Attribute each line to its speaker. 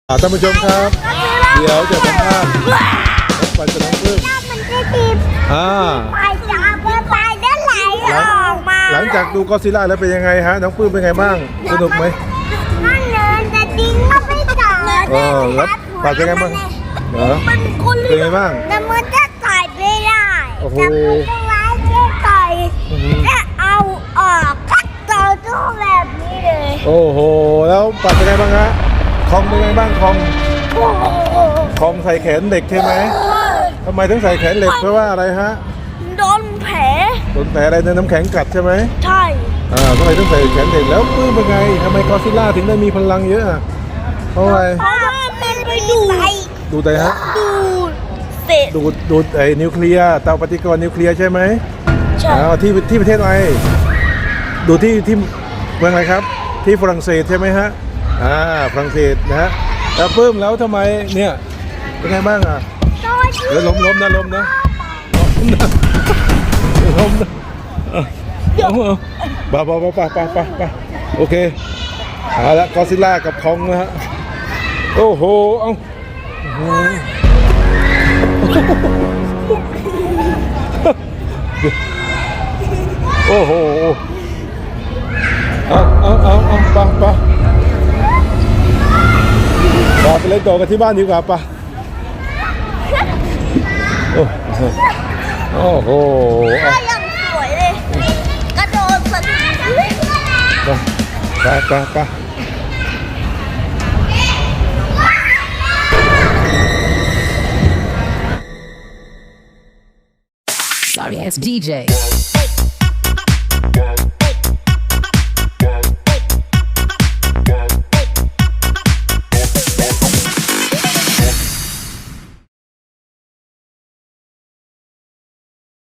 Speaker 1: ท่านผู้ชมครับ เดี๋ยวจะสัมภาษณ์น้องปันกับน้องปลื้ม
Speaker 2: ไปได้ไหลออกมา
Speaker 1: หลังจากดูก็อดซิลล่าแล้วเป็นยังไงฮะน้องปลื้มเป็นไงบ้างสนุกไหม
Speaker 2: นั่นเนินจะดิ้งก็ไม่ต่อ
Speaker 1: แล้วปันเป็นไงบ้างเหรอเป็นไงบ้าง
Speaker 2: แต่มันจะต่อยไม่ได้
Speaker 1: โอ้โห
Speaker 2: แต่มันจะไล่จะต่อยจะเอาออกก็ต่อตู้แบบนี้เลย
Speaker 1: โอ้โหแล้วปันเป็นไงบ้างฮะคองเป็นไงบ้างคองใส่แขนเด็กใช่ไหมทำไมถึงใส่แขนเหล็กเพราะว่าอะไรฮะ
Speaker 2: โดนแผล
Speaker 1: โดนแผลอะไรในน้ำแข็งกัดใช่ไหม
Speaker 2: ใช่
Speaker 1: ทำไมต้องใส่แขนเด็กแล้วปลื้มเป็นไงทำไมก็อดซิลล่าถึงได้มีพลังเยอะอะเพราะอะไร
Speaker 2: เพราะว่ามันไป
Speaker 1: ดูแต่ฮะ
Speaker 2: เศษ
Speaker 1: ดูดไอ้นิวเคลียร์เตาปฏิกรณ์นิวเคลียร์ใช่ไหม
Speaker 2: ใช่
Speaker 1: ที่ประเทศอะไรดูที่เมืองอะไรครับที่ฝรั่งเศสใช่ไหมฮะฝรั่งเศสนะฮะแล้วปลื้มแล้วทำไมเนี่ยเป็นไงบ้างอ่ะเดี๋ยวล้มนะล้มนะไปโอเคเอาละก็อดซิลล่ากับคองนะฮะโอ้โหเอาโอ้โหไปเล่นต่อกันที่บ้านดีกว่าปะโอ้โห
Speaker 2: ก็ยังสวยเลย กระโดดสนุก
Speaker 1: ไป
Speaker 3: Sorry ass DJ.